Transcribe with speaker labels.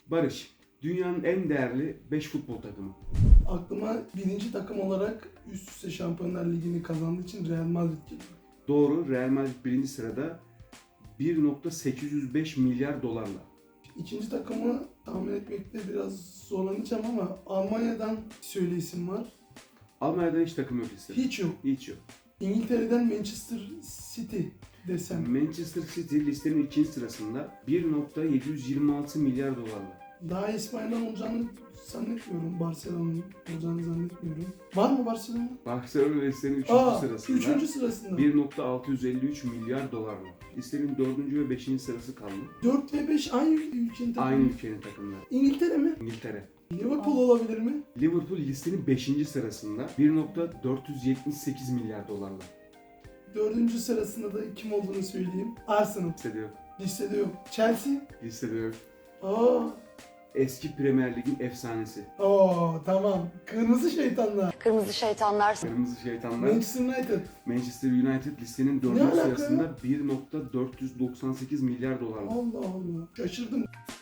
Speaker 1: Barış, dünyanın en değerli 5 futbol takımı.
Speaker 2: Aklıma birinci takım olarak üst üste Şampiyonlar Ligi'ni kazandığı için Real Madrid geliyor.
Speaker 1: Doğru, Real Madrid birinci sırada 1.805 milyar dolarla.
Speaker 2: İkinci takımı tahmin etmekte biraz zorlanacağım ama Almanya'dan söyleyisim var.
Speaker 1: Almanya'dan hiç takım yok listede.
Speaker 2: Hiç yok.
Speaker 1: Hiç yok.
Speaker 2: İngiltere'den Manchester City desem.
Speaker 1: Manchester City listenin ikinci sırasında 1.726 milyar dolarla.
Speaker 2: Daha İspanya'dan olacağını zannetmiyorum. Barcelona'nın olacağını zannetmiyorum. Var mı Barcelona?
Speaker 1: Barcelona listenin üçüncü sırasında.
Speaker 2: Üçüncü sırasında.
Speaker 1: 1.653 milyar dolarla. Listenin 4. ve 5. sırası kaldı.
Speaker 2: 4 ve 5 aynı ülkenin takımı.
Speaker 1: Aynı ülkenin takımları.
Speaker 2: İngiltere mi?
Speaker 1: İngiltere.
Speaker 2: Liverpool olabilir mi?
Speaker 1: Liverpool listenin 5. sırasında 1.478 milyar dolarla.
Speaker 2: 4. sırasında da kim olduğunu söyleyeyim. Arsenal.
Speaker 1: Listede yok.
Speaker 2: Listede yok. Chelsea.
Speaker 1: Listede yok.
Speaker 2: Aa,
Speaker 1: Eski Premier Lig'in efsanesi.
Speaker 2: tamam. Kırmızı şeytanlar.
Speaker 3: Kırmızı şeytanlar.
Speaker 1: Kırmızı Şeytanlar.
Speaker 2: Manchester United.
Speaker 1: Manchester United listenin 4.
Speaker 2: Ne alaka
Speaker 1: sırasında 1.498 milyar dolarla.
Speaker 2: Allah Allah. Şaşırdım.